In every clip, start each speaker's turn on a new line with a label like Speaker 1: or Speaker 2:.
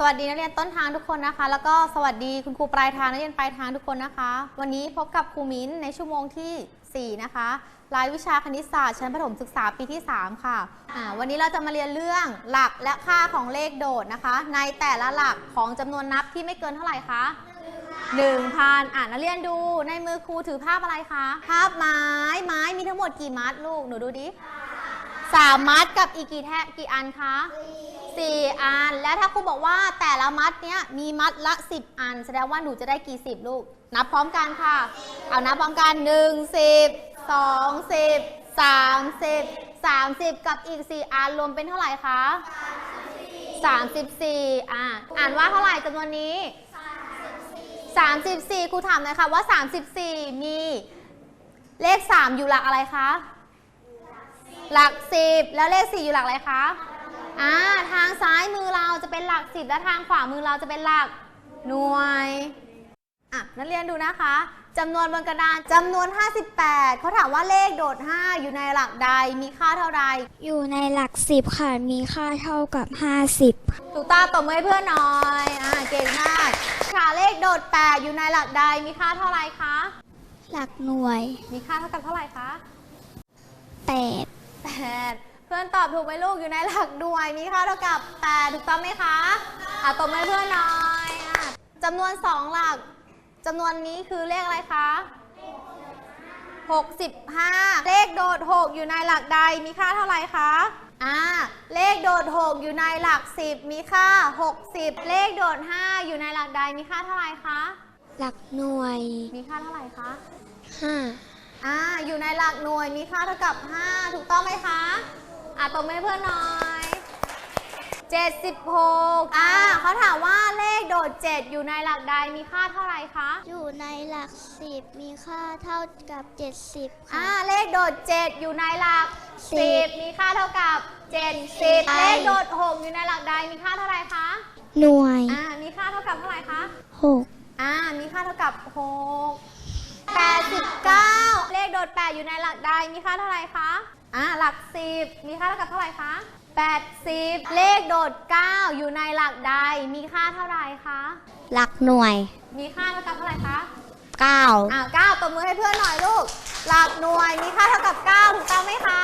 Speaker 1: วัสดีนักเรียนต้นทางทุกคนนะคะแล้วก็สวัสดีคุณครูปลายทางนักเรียนปลายทางทุกคนนะคะวันนี้พบกับครูมิ้นในชั่วโมงที่4นะคะรายวิชาคณิตศาสตร์ชั้นประถมศึกษาปีที่3ค่ะวันนี้เราจะมาเรียนเรื่องหลักและค่าของเลขโดดนะคะในแต่ละหลักของจำนวนนับที่ไม่เกินเท่าไหร่คะ 1,000นักเรียนดูในมือครูถือภาพอะไรคะภาพไม้มีทั้งหมดกี่มัดลูกหนูดูดิ3 มัดกับอีกกี่อันคะ4 อันแล้วถ้าครูบอกว่าแต่ละมัดเนี้ยมีมัดละ10 อันแสดงว่าหนูจะได้กี่10ลูกนับพร้อมกันค่ะเอานับพร้อมกัน1 10 2 10 30 กับอีก4 อันรวมเป็นเท่าไหร่คะ34อ่านว่าเท่าไหร่จำนวนนี้34ครูถามหน่อยค่ะว่า34มีเลข3อยู่หลักอะไรคะหลัก10แล้วเลข4อยู่หลักอะไรคะทางซ้ายมือเราจะเป็นหลัก10และทางขวามือเราจะเป็นหลักหน่วยนักเรียนดูนะคะจำนวนบนกระดานจำนวน58เขาถามว่าเลขโดด5อยู่ในหลักใดมีค่าเท่าใด
Speaker 2: อยู่ในหลัก10ค่ะมีค่าเท่ากับ50
Speaker 1: ถูกต้องตบมือให้เพื่อนหน่อยเก่งมากค่ะเลขโดด8อยู่ในหลักใดมีค่าเท่าไรคะ
Speaker 2: หลักหน่วย
Speaker 1: มีค่าเท่ากับเท่าไหร่คะ
Speaker 2: 8
Speaker 1: เพื่อนตอบถูกไหมลูกอยู่ในหลักหน่วยมีค่าเท่ากับ8ถูกต้องไหมคะตบมือให้เพื่อนหน่อยจำนวน2หลักจำนวนนี้คือเลขอะไรคะ65เลขโดด6อยู่ในหลักใดมีค่าเท่าไหร่คะเลขโดด6อยู่ในหลัก10มีค่า60เลขโดด5อยู่ในหลักใดมีค่าเท่าไหร่คะ
Speaker 2: หลักหน่วย
Speaker 1: มีค่าเท่าไหร่คะ
Speaker 2: 5
Speaker 1: อยู่ในหลักหน่วยมีค่าเท่ากับ5ถูกต้องไหมคะตบมือให้เพื่อนหน่อย76เขาถามว่าเลขโดด7อยู่ในหลักใดมีค่าเท่าไหร่คะ
Speaker 2: อยู่ในหลัก10มีค่าเท่ากับ70ค่ะ
Speaker 1: เลขโดด7อยู่ในหลัก10มีค่าเท่ากับ70เลขโดด6อยู่ในหลักใดมีค่าเท่าไหร่คะ
Speaker 2: หน่วย
Speaker 1: มีค่าเท่ากับเท่าไหร่คะ
Speaker 2: 6
Speaker 1: มีค่าเท่ากับ6 89เลขโดด8อยู่ในหลักใดมีค่าเท่าไหร่คะหลัก10มีค่าเท่ากับเท่าไหร่คะ80เลขโดด9อยู่ในหลักใดมีค่าเท่าไหร่คะ
Speaker 2: หลักหน่วย
Speaker 1: มีค่าเท่ากับเท่าไหร่คะ
Speaker 2: 9
Speaker 1: 9ตบมือให้เพื่อนหน่อยลูกหลักหน่วยมีค่าเท่ากับ9ถูกต้องไหมคะ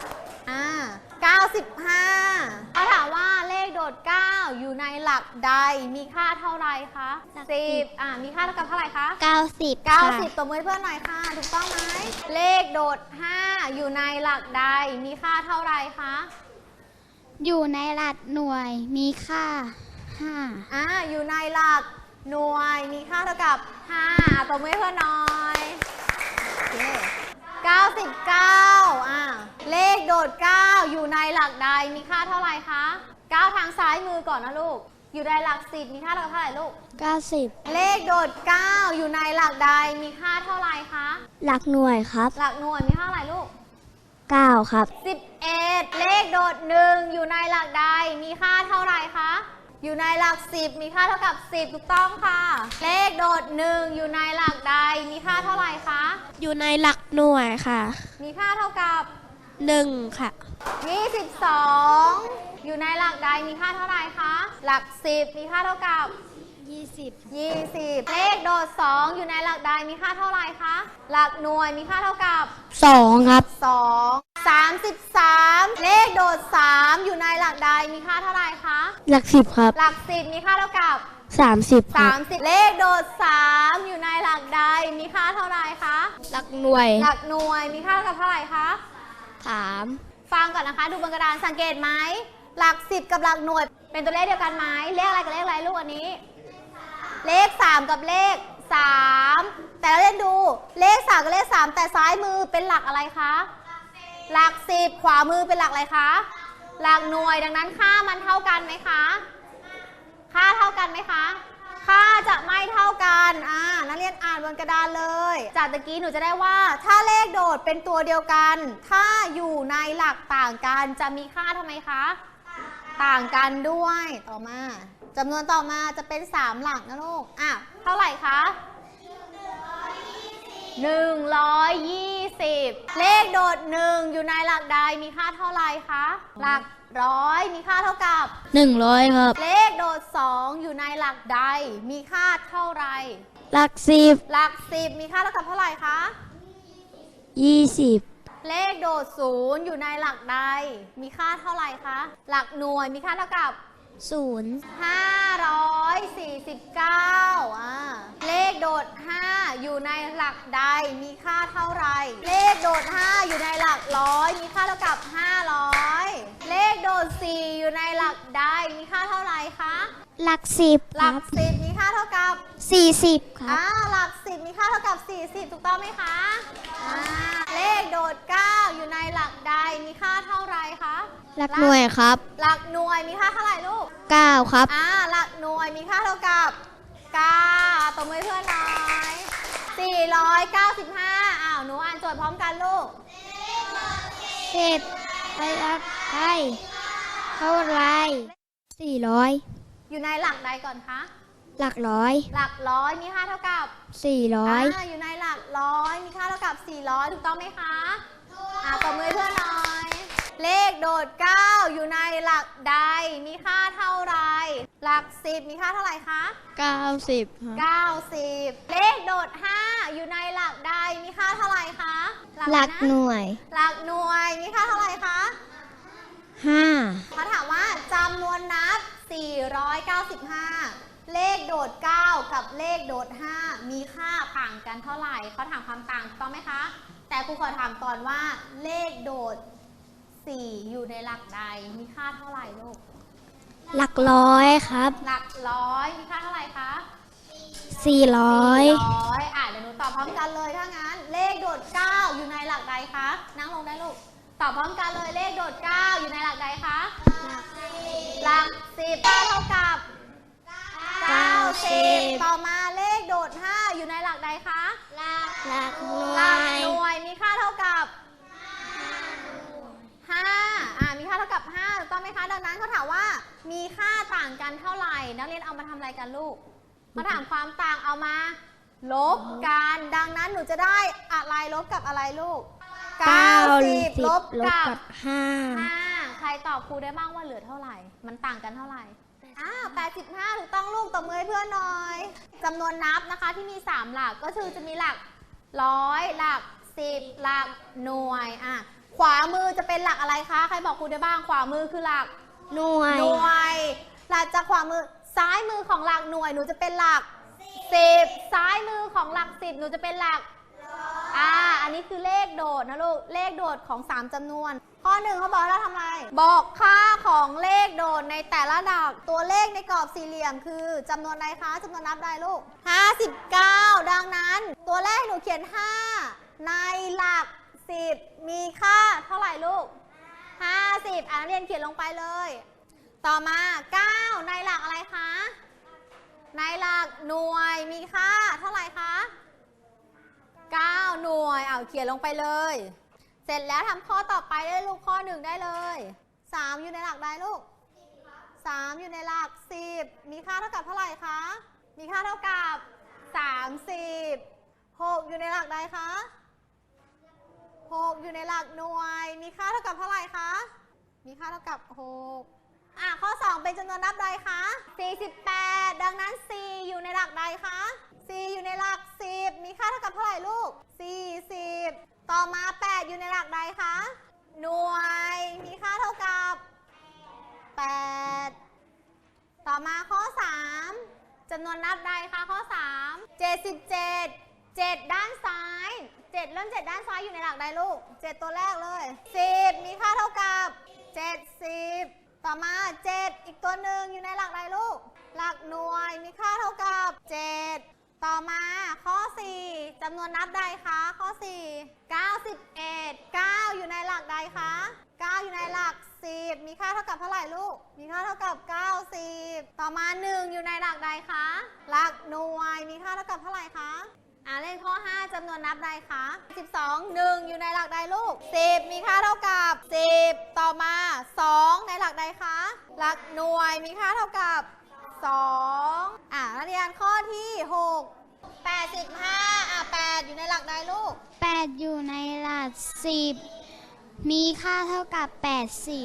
Speaker 1: 95เขาถามว่าเลขโดด9อยู่ในหลักใดมีค่าเท่าไหร่คะ10มีค่าเท่ากับเท่าไหร่คะ90ตบมือให้เพื่อนหน่อยค่ะถูกต้องไหมเลขโดด5อยู่ในหลักใดมีค่าเท่าไหร่คะ
Speaker 2: อยู่ในหลักหน่วยมีค่า
Speaker 1: 5อยู่ในหลักหน่วยมีค่าเท่ากับ5ตบมือให้เพื่อนหน่อย99เลขโดด9อยู่ในหลักใดมีค่าเท่าไหร่คะ9ทางซ้ายมือก่อนนะลูกอยู่ในหลัก10มีค่าเท่ากับเท่าไหร่ลูก
Speaker 2: 90
Speaker 1: เลขโดด9อยู่ในหลักใดมีค่าเท่าไหร่คะ
Speaker 2: หลักหน่วยครับ
Speaker 1: หลักหน่วยมีค่าเท่าไหร่ลูก
Speaker 2: 9ครับ
Speaker 1: 11เลขโดด1อยู่ในหลักใดมีค่าเท่าไหร่คะอยู่ในหลัก10มีค่าเท่ากับ10ถูกต้องค่ะเลขโดด1อยู่ในหลักใดมีค่าเท่าไหร่คะ
Speaker 2: อยู่ในหลักหน่วยค่ะ
Speaker 1: มีค่าเท่ากับ
Speaker 2: 1ค่ะ
Speaker 1: 22อยู่ในหลักใดมีค่าเท่าไหร่คะหลัก10มีค่าเท่ากับ20เลขโดด2อยู่ในหลักใดมีค่าเท่าไหร่คะหลักหน่วยมีค่าเท่ากับ
Speaker 2: 2ครับ
Speaker 1: 33เลขโดด3อยู่ในหลักใดมีค่าเท่าไหร่คะ
Speaker 2: หลัก10ครับ
Speaker 1: หลัก10มีค่าเท่ากับ
Speaker 2: 30
Speaker 1: เลขโดด3อยู่ในหลักใดมีค่าเท่าไหร่คะ
Speaker 2: หลักหน่วย
Speaker 1: มีค่าเท่ากับเท่าไหร่คะ
Speaker 2: 3
Speaker 1: ฟังก่อนนะคะดูบนกระดานสังเกตไหมหลัก10กับหลักหน่วยเป็นตัวเลขเดียวกันไหมเลขอะไรกับเลขอะไรลูกอันนี้เลข3กับเลข3แต่เราเล่นดูเลข3กับเลข3แต่ซ้ายมือเป็นหลักอะไรคะหลัก10ขวามือเป็นหลักอะไรคะหลักหน่วยดังนั้นค่ามันเท่ากันไหมคะค่าเท่ากันไหมคะค่าจะไม่เท่ากันนักเรียนอ่านบนกระดานเลยจากตะกี้หนูจะได้ว่าถ้าเลขโดดเป็นตัวเดียวกันถ้าอยู่ในหลักต่างกันจะมีค่าทำไมคะต่างกันด้วยต่อมาจำนวนต่อมาจะเป็น3หลักนะลูกเท่าไหร่คะ120เลขโดด1อยู่ในหลักใดมีค่าเท่าไหร่คะหลัก 100มีค่าเท่ากับ
Speaker 3: 100 ครับ
Speaker 1: เลขโดด 2 อยู่ในหลักใด มีค่าเท่าไหร่
Speaker 3: หลักสิบ
Speaker 1: หลัก 10 มีค่าเท่ากับเท่าไหร่คะ
Speaker 3: 20
Speaker 1: เลขโดด 0 อยู่ในหลักใด มีค่าเท่าไหร่คะ หลักหน่วยมีค่าเท่ากับ
Speaker 3: 0
Speaker 1: 549เลขโดด 5 อยู่ในหลักใด มีค่าเท่าไหร่ เลขโดด 5 อยู่ในหลักร้อย มีค่าเท่ากับ 500 เลขโดด 4 อยู่ในหลักใด มีค่าเท่าไหร่คะ
Speaker 2: หลักสิบ
Speaker 1: หลัก 10 มีค่าเท่ากับ
Speaker 2: 40 ครับ
Speaker 1: หลัก 10 มีค่าเท่ากับ 40 ถูกต้องไหมคะเลขโดด 9 อยู่ในหลักใด มีค่าเท่าไหร่คะ
Speaker 3: หลักหน่วยครับ
Speaker 1: หลักหน่วยมีค่าเท่าไหร่ลูก
Speaker 3: 9 ครับ
Speaker 1: หลักหน่วยมีค่าเท่ากับ9ตบมือเพื่อนหน่อย495หนูอ่านโจทย์พร้อมกันลูก
Speaker 2: 10 ไปรักไทยเท่าไร
Speaker 3: 400
Speaker 1: อยู่ในหลักใดก่อนคะ
Speaker 3: หลักร้อย
Speaker 1: หลักร้อยมีค่าเท่ากับ
Speaker 3: 400
Speaker 1: อยู่ในหลักร้อยมีค่าเท่ากับ400ถูกต้องไหมคะตบมือเพื่อนหน่อย เลขโดด 9 อยู่ในหลักใด มีค่าเท่าไร หลัก 10 มีค่าเท่าไหร่คะ
Speaker 3: 90 ครับ
Speaker 1: 90 เลขโดด 5 อยู่ในหลักใด มีค่าเท่าไหร่คะ
Speaker 3: หลักห
Speaker 1: น่วย
Speaker 3: น่วย
Speaker 1: หลักหน่วย มีค่าเท่าไหร่คะ
Speaker 3: 5
Speaker 1: เขาถามว่าจำนวนนับ 495 เลขโดด 9 กับเลขโดด 5 มีค่าต่างกันเท่าไหร่ เขาถามความต่างถูกต้องไหมคะ แต่ครูขอถามก่อนว่าเลขโดด 4 อยู่ในหลักใด มีค่าเท่าไหร่ลูก
Speaker 3: หลักร้อยครับ
Speaker 1: หลักร้อย มีค่าเท่าไหร่คะ
Speaker 3: 400
Speaker 1: เดี๋ยวหนูตอบพร้อมกันเลยถ้างั้น เลขโดด 9 อยู่ในหลักใดคะ นั่งลงได้ลูก ตอบพร้อมกันเลย เลขโดด 9 อยู่ในหลักใดคะ หลัก 10 9 เท่ากับ90ต่อมาเลขโดด 5 อยู่ในหลักใดคะ
Speaker 3: หลักหน่
Speaker 1: ห
Speaker 3: ว
Speaker 1: ลัก
Speaker 3: ย
Speaker 1: หน่วย มีค่าเท่ากับ5มีค่าเท่ากับ5ถูกต้องไหมคะ ดังนั้นเขาถามว่ามีค่าต่างกันเท่าไหร่ นักเรียนเอามาทำอะไรกันลูกเขาถามความต่างเอามาลบกัน ดังนั้นหนูจะได้อะไรลบกับอะไรลูก 90 ลบกับ 5 ใครตอบครูได้บ้างว่าเหลือเท่าไหร่ มันต่างกันเท่าไหร่85ถูกต้องลูกตบมือให้เพื่อนหน่อยจำนวนนับนะคะที่มี 3 หลักก็คือจะมีหลักร้อยหลัก 10 หลักหน่วยขวามือจะเป็นหลักอะไรคะ ใครบอกครูได้บ้าง ขวามือคือหลัก
Speaker 3: หน่วย
Speaker 1: หลักจากขวามือซ้ายมือของหลักหน่วยหนูจะเป็นหลัก 10 ซ้ายมือของหลัก 10หนูจะเป็นหลักอันนี้คือเลขโดดนะลูก เลขโดดของ 3จำนวน ข้อ 1เขาบอกให้เราทำอะไร บอกค่าของเลขโดดในแต่ละหลัก ตัวเลขในกรอบสี่เหลี่ยมคือจำนวนใดคะจำนวนนับใดลูก 59 ดังนั้น ตัวแรกหนูเขียน 5 ในหลัก 10 มีค่าเท่าไหร่ลูก 50นักเรียนเขียนลงไปเลย ต่อมา 9 ในหลักอะไรคะ ในหลักหน่วยมีค่าเท่าไหร่คะ 9 หน่วยเขียนลงไปเลย เสร็จแล้วทำข้อต่อไปได้ลูกข้อ 1ได้เลย 3 อยู่ในหลักใดลูก 3 อยู่ในหลัก 10 มีค่าเท่ากับเท่าไหร่คะ มีค่าเท่ากับ 30 6 อยู่ในหลักใดคะ 6 อยู่ในหลักหน่วย มีค่าเท่ากับเท่าไหร่คะ มีค่าเท่ากับ 6ข้อ 2 เป็นจำนวนนับใดคะ 48 ดังนั้น 4 อยู่ในหลักใดคะ 4 อยู่ในหลัก 10 มีค่าเท่ากับเท่าไหร่ลูก 40 ต่อมา 8 อยู่ในหลักใดคะ หน่วย มีค่าเท่ากับ 8 ต่อมาข้อ 3 จำนวนนับใดคะข้อ 3 77 7 ด้านซ้าย 7 เริ่ม 7 ด้านซ้ายอยู่ในหลักใดลูก 7 ตัวแรกเลย 10 มีค่าเท่ากับ 70 ต่อมา 7 อีกตัวหนึ่งอยู่ในหลักใดลูก หลักหน่วย มีค่าเท่ากับ 7 ต่อมาข้อ 4 จำนวนนับใดคะข้อ 4 91 9 อยู่ในหลักใดคะ 9 อยู่ในหลัก 10 มีค่าเท่ากับเท่าไหร่ลูก มีค่าเท่ากับ 90 ต่อมา 1 อยู่ในหลักใดคะ หลักหน่วย มีค่าเท่ากับเท่าไหร่คะเลขข้อ 5 จำนวนนับใดคะ 12 1 อยู่ในหลักใดลูก 10 มีค่าเท่ากับ 10 ต่อมา 2 ในหลักใดคะ หลักหน่วย มีค่าเท่ากับ 2นักเรียนข้อที่ 6 85 8 อยู่ในหลักใดลูก
Speaker 2: 8 อยู่ในหลัก 10 มีค่าเท่ากับ 80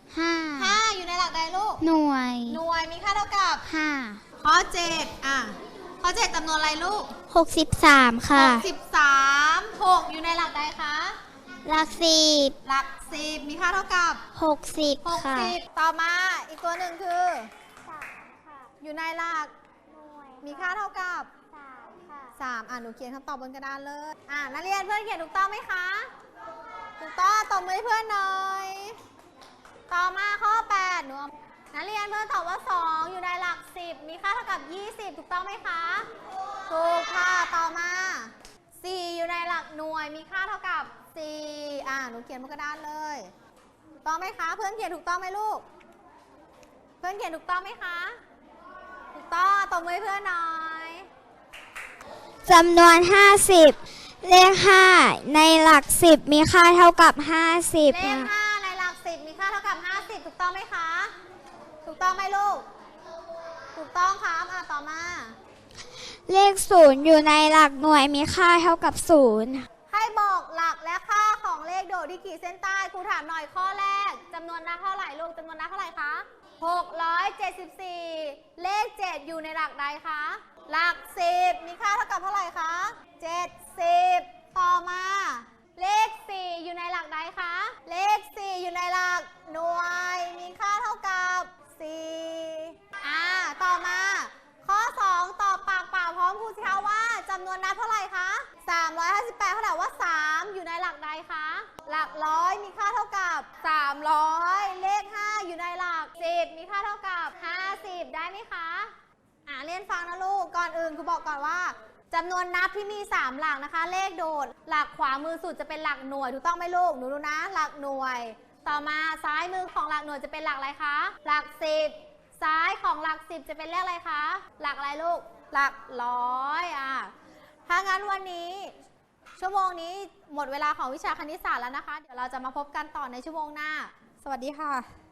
Speaker 2: 5
Speaker 1: 5 อยู่ในหลักใดลูก
Speaker 2: หน่วย
Speaker 1: หน่วยมีค่าเท่ากับ
Speaker 2: 5
Speaker 1: ข้อ 7ข้อ 7จำนวนอะไรลูก
Speaker 3: 63 ค่ะ
Speaker 1: 63 6 อยู่ในหลักใดคะ
Speaker 2: หลัก
Speaker 1: หลัก 10 มีค่าเท่ากับ
Speaker 2: 10 60 ค่ะ
Speaker 1: 60 ต่อมาอีกตัวหนึ่งคือ อยู่ในหลัก มีค่าเท่ากับ 3หนูเขียนคำตอบบนกระดานเลยนักเรียนเพื่อนเขียนถูกต้องไหมคะ ถูกต้องตบมือให้เพื่อนหน่อย ต่อมาข้อ 8หนูนักเรียนเพื่อนตอบว่า 2 อยู่ในหลัก 10 มีค่าเท่ากับ 20 ถูกต้องไหมคะ ถูกค่ะต่อมา 4 อยู่ในหลักหน่วยมีค่าเท่ากับ 4หนูเขียนบนกระดานเลยถูกต้องไหมคะ เพื่อนเขียนถูกต้องไหมลูก เพื่อนเขียนถูกต้องไหมคะ ถูกต้องตบมือให้เพื่อนหน่อย
Speaker 3: จำนวน 50 เลข 5 ในหลัก 10 มีค่าเท่ากับ 50
Speaker 1: เลข
Speaker 3: ค่ะ
Speaker 1: 5 ในหลัก 10 มีค่าเท่ากับ 50 ถูกต้องไหมคะ ถูกต้องไหมลูก ถูกต้องครับต่อมา
Speaker 3: เลข 0 อยู่ในหลักหน่วยมีค่าเท่ากับ 0
Speaker 1: ให้บอกหลักและค่าของเลขโดดที่ขีดเส้นใต้ครูถามหน่อยข้อแรกจำนวนนับเท่าไหร่ลูกจำนวนนับเท่าไหร่คะ674เลข 7 อยู่ในหลักใดคะหลัก 10 มีค่าเท่ากับเท่าไหร่คะ70ต่อมา เลข 4 อยู่ในหลักใดคะเลข 4 อยู่ในหลักหน่วยมีค่าเท่ากับ4ต่อมา ข้อ 2 ตอบปากเปล่าพร้อมครูสิคะว่าจำนวนนับเท่าไหร่คะ358เขาถามว่า 3 อยู่ในหลักใดคะหลักร้อยมีค่าเท่ากับ300เลข 5 อยู่ในหลัก10มีค่าเท่ากับ50ได้ไหมคะเรียนฟังนะลูกก่อนอื่นครูบอกก่อนว่าจำนวนนับที่มี3หลักนะคะ เลขโดดหลักขวามือสุดจะเป็นหลักหน่วยถูกต้องไหมลูกหนูดูนะหลักหน่วย ต่อมาซ้ายมือของหลักหน่วยจะเป็นหลักอะไรคะหลัก10ซ้ายของหลัก10จะเป็นเลขอะไรคะหลักอะไรลูกหลักร้อยถ้างั้นวันนี้ชั่วโมงนี้หมดเวลาของวิชาคณิตศาสตร์แล้วนะคะเดี๋ยวเราจะมาพบกันต่อในชั่วโมงหน้าสวัสดีค่ะ